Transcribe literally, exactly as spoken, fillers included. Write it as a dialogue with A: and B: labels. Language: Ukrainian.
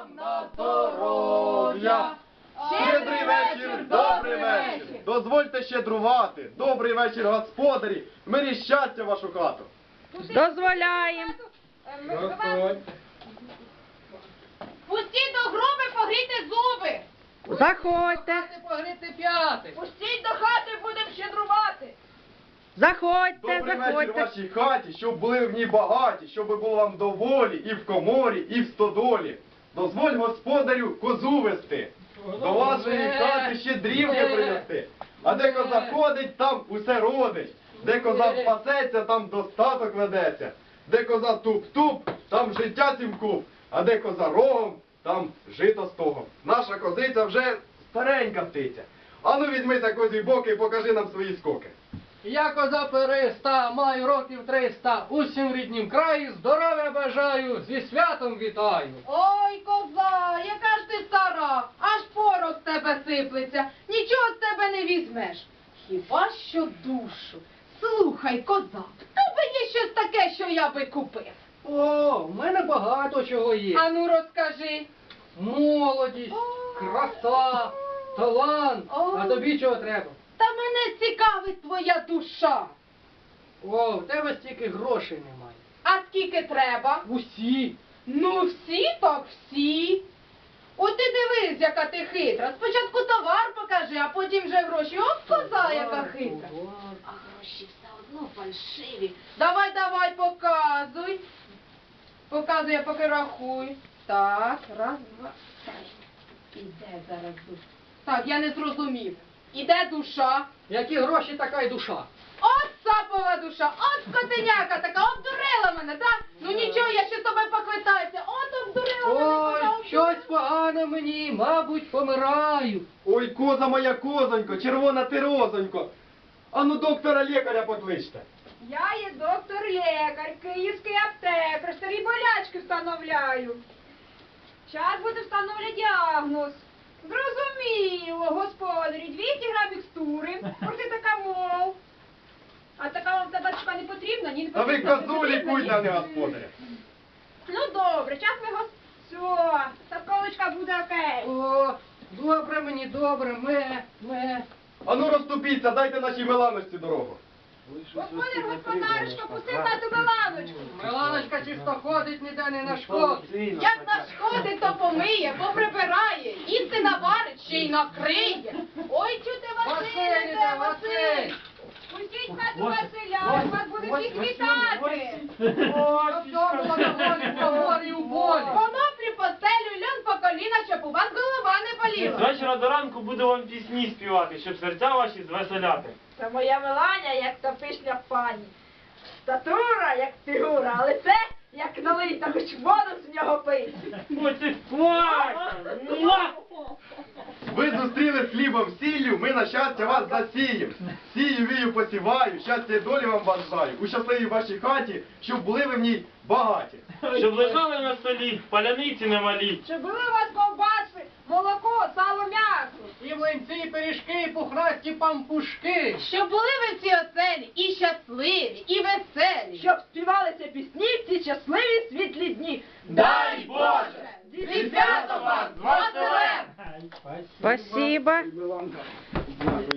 A: вам на здоров'я! Щедрий вечір, добрий вечір! Дозвольте щедрувати! Добрий вечір, господарі! В мирі щастя в вашу хату!
B: Дозволяємо.
C: Пустіть до груби, погрійте зуби.
B: Заходьте.
D: Погріти п'яти.
C: Пустіть до хати, будемо щедрувати.
B: Заходьте,
A: Добрий вечір в
B: заходьте.
A: вашій хаті, щоб були в ній багаті, щоб було вам доволі і в коморі, і в стодолі. Дозволь господарю козу вести, до вашої хати щедрівки принести. А де коза ходить, там усе родить. Де коза пасеться, там достаток ведеться. Де коза туп-туп, там життя сімкуп. А де коза рогом, там жито стогом. Наша козиця вже старенька птиця. Ану візьмися козі боки і покажи нам свої скоки.
D: Я коза периста, маю років триста, усім в ріднім краї здоров'я бажаю, зі святом вітаю.
C: Ой, коза, яка ж ти стара, аж порох з тебе сиплеться, нічого з тебе не візьмеш. Хіба що душу. Слухай, коза, в тебе є щось таке, що я би купив.
D: О, в мене багато чого є.
C: Ану розкажи.
D: Молодість, краса, талант.
C: Ой.
D: А тобі чого треба?
C: Та мене цікавить твоя душа.
D: О, в тебе стільки грошей немає.
C: А скільки треба?
D: Усі.
C: Ну всі так всі. От ти дивись, яка ти хитра. Спочатку товар покажи, а потім вже гроші. От коза, яка хитра. А гроші все одно фальшиві. Давай, давай, показуй. Показуй, я поки рахую. Так, раз, два, три. Іде зараз душа. Так, я не зрозумів. Іде душа.
D: Які гроші, така й душа.
C: От сапова душа, от скотиняка така, обдурила мене, так? Ну нічого, я ще з тобою поквитаюся. От обдурила мене.
D: Ой,
C: коза, обдурила.
D: щось погано мені, мабуть, помираю.
A: Ой, коза моя козонько, червона ти розонько. Ану доктора лікаря покличте.
E: Я є доктор-лікар, київський аптекар, старі болячки встановляю. Час буде встановлювати діагноз. Зрозуміло, господарі, двісті грам мікстури, протитакамол. А така вам табачка не потрібна? Ні, не
A: А ви
E: потрібна.
A: козу лікуйте, а не господаря.
E: Ну добре, час ми гос... Все, сапковочка буде окей.
D: О, добре мені, добре, ме, ме.
A: Ану розступіться, дайте нашій Миланочці дорогу.
E: Господар, господарочка, пусти на ту Миланочку.
D: Миланочка чисто ходить, ніде не нашкодить.
C: Як нашкодить, то помиє, поприбирає, їсти наварить, ще й накриє. Ой, чути Василь,
D: Василь іде, Василь.
E: Пустіть в хату Василя, вас буде всіх вітати.
D: Щоб все було доволі в погорі у болі.
C: Коноплі по стелю, льон по коліна, щоб у вас голова не
F: З
C: боліла.
F: вечора до ранку буду вам пісні співати, щоб серця ваші звеселяти.
E: Це моя Меланя, як та пишня пані. Статура, як фігура, а лице, як налита, хоч воду з нього пить.
F: Будьте Муа!
A: Ви зустріли з хлібом сіллю, ми на щастя вас засієм. Сію, вію, посіваю, щастя і долі вам бажаю. У щасливій вашій хаті, щоб були ви в ній багаті.
F: Щоб лежали на столі, паляниці немалі.
E: Щоб були у вас ковбаси, молоко, сало, м'ясо.
D: І млинці, і пиріжки, і пухнасті пампушки.
C: Щоб були ви в цій оселі і щасливі, і веселі.
E: Щоб співалися пісні в ці щасливі світлі дні.
A: Дай Боже!
C: Зі святом вас, з Василем!
B: Спасибо.